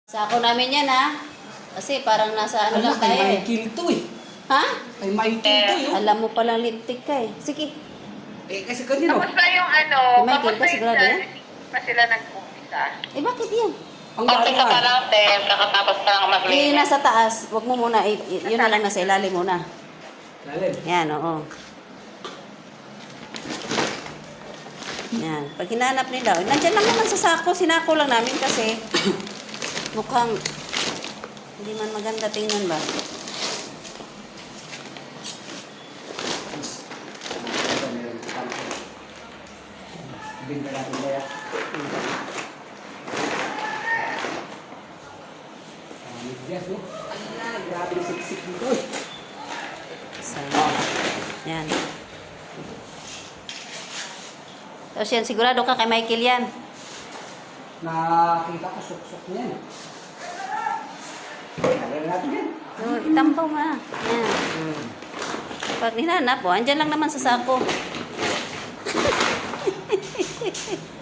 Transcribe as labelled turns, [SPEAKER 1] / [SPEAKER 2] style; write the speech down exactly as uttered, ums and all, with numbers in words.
[SPEAKER 1] Sako namin yan ha. Kasi parang nasa ano
[SPEAKER 2] Ala,
[SPEAKER 1] lang tayo
[SPEAKER 2] kay
[SPEAKER 1] eh.
[SPEAKER 2] Michael to eh.
[SPEAKER 1] Ha?
[SPEAKER 2] Kay Michael to eh.
[SPEAKER 1] Alam mo palang lintik ka eh. Sige.
[SPEAKER 2] Eh, kasi kanino?
[SPEAKER 3] Kamusta yung ano?
[SPEAKER 1] Kay Michael
[SPEAKER 3] Kamusta
[SPEAKER 1] ka,
[SPEAKER 3] yung
[SPEAKER 1] sigurado yan?
[SPEAKER 3] dyan? Pa sila nag-umpisa?
[SPEAKER 1] Eh bakit yan?
[SPEAKER 2] Ang
[SPEAKER 3] Umpisa pa
[SPEAKER 2] gano'n.
[SPEAKER 3] lang, te. Kakatapos pa lang
[SPEAKER 1] Eh
[SPEAKER 3] maglinis.
[SPEAKER 1] nasa taas. Huwag mo muna. Eh, y- yun na lang nasa ilalim muna.
[SPEAKER 2] Lalim.
[SPEAKER 1] Yan, oo. Yan. Pag hinanap nila, nandyan lang naman sa sako. Sinako lang namin kasi mukhang hindi man maganda tingnan ba.
[SPEAKER 2] Binta natin ba yan? Yes, no? Ala, grabe siksik nito eh.
[SPEAKER 1] So, yan. Tapos yan, sigurado ka kay Michael yan.
[SPEAKER 2] Nakita ko suksok niya eh. Alam natin yan.
[SPEAKER 1] So, itampaw mo na. Yan. Hmm. Pag hinanap, oh, andyan lang naman sa sako.